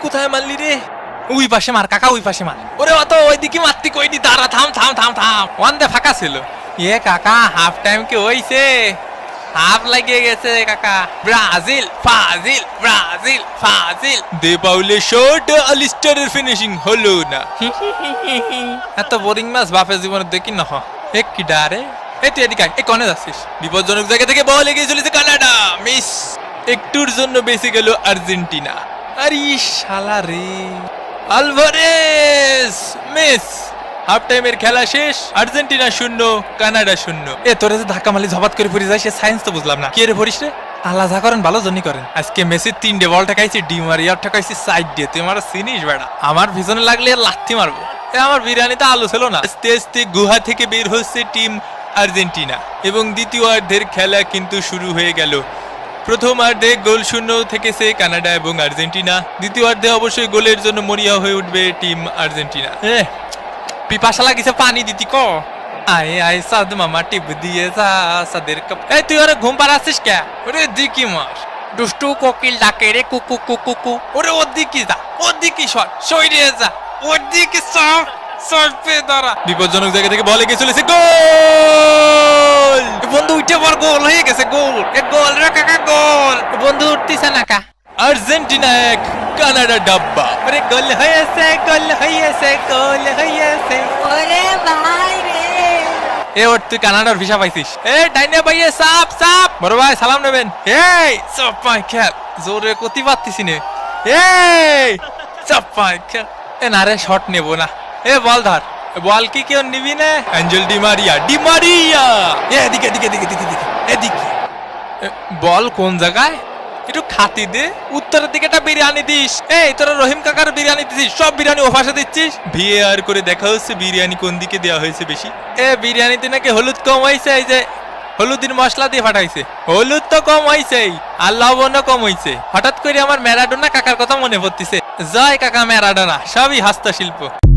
কোথায় মারলি রে? ওই পাশে মার কাকা, ওই পাশে মার। ওরে অত ওইদিকে মারতি কইনি, দাঁড়া, থাম থাম থাম থাম। ওয়ান দে ফাঁকা ছিল। কাকা হাফ টাইম কি হইছে? হাফ লাগিয়ে গেছে কাকা। ব্রাজিল ফাজিল, ব্রাজিল ফাজিল। দে পাউলে শট, আলিস্টারের ফিনিশিং হলো না। এত বোরিং ম্যাচ বাপের জীবনে দেখি না। এক কি ডারে। তুই এদিকে আয়, কনে যাচ্ছিস? বিপজ্জনক জায়গা থেকে বল এগিয়ে চলেছে কানাডা, মিস। একটুর জন্য বেঁচে গেল আর্জেন্টিনা। আরে শালা রে, আলভারেজ মিস। হাফ টাইমের খেলা শেষ, আর্জেন্টিনা 0 কানাডা 0। তোরে যে ধাক্কা মারলি ঝপাত করে পড়ে যায়, সে সায়েন্স তো বুঝলাম না। কি রে পড়িস রে? আল্লাহ যা করেন ভালো জনই করেন। আজকে মেসি 3টে বল ঠেকাইছি, ডি মারিয়ার ঠেকাইছি সাইড দিয়ে। তুই আমার চিনিস বেড়া? আমার পিছনে লাগলে লাথি মারবো। আমার বিরিয়ানিতে আলু ছিল না। আস্তে আস্তে গুহা থেকে বের হচ্ছে টিম আর্জেন্টিনা এবং দ্বিতীয়ার্ধের খেলা কিন্তু শুরু হয়ে গেল। প্রথমার্ধে গোল শূন্য থেকেছে কানাডা এবং আর্জেন্টিনা। দ্বিতীয়ার্ধে অবশ্যই গোলের জন্য মরিয়া হয়ে উঠবে টিম আর্জেন্টিনা। পিপাসা লাগিছে, পানি দিতি ক। আয় আয় সাদ মামা টিপ দিয়ে যা সাদের কাপ। তুই ওরে ঘুম পাড়াচ্ছিস কে? ওরে দিকি মার, দুষ্টু কোকিল ডাকে রে কুকু কুকু কুকু। ওরে ওর দিকে যা, ওর দিকে সর, সইরে যা, ওর দিকে সর। বিপজ্জনক জায়গা থেকে বলে গিয়ে চলেছে, গোল! বন্ধু উঠে পর, গোল হয়ে গেছে, গোল। গোল রে কাকা, গোল। বন্ধু উঠতেছে না কা। আর্জেন্টিনা 1 কানাডা ডাব্বা। আরে গোল হয়েছে, গোল হয়েছে, গোল হয়েছে। ওরে ভাই রে, ওর তুই কানাডার ভিসা পাইছিস? ডাইনে ভাইয়ে সাপ সাপ। বড় ভাই সালাম নেবেন। সব পাই খেল, জোরে কতি পারতিস নে। সব পাই খেল। না রে, শট নেবো না। বল ধর। বল কি কেউ নিবি না? Angel Di Maria, Di Maria. এদিকে এদিকে এদিকে এদিকে এদিকে। বল কোন জায়গায়? একটু খাতি দে। উত্তরের দিকে একটা বিরিয়ানি দিস। তোরা রহিম কাকার বিরিয়ানি দিছিস, সব বিরিয়ানি ওপাশে দিচ্ছিস। ভিএআর করে দেখা হচ্ছে বিরিয়ানি কোন দিকে দেওয়া হয়েছে বেশি। বিরিয়ানিতে নাকি হলুদ কম হয়েছে, এই যে হলুদের মশলা দিয়ে ফাটাইছে। হলুদ তো কম হয়েছে আর লবণও কম হয়েছে। হঠাৎ করে আমার ম্যারাডোনা কাকার কথা মনে পড়তেছে। জয় কাকা ম্যারাডোনা, সবই হস্তশিল্প।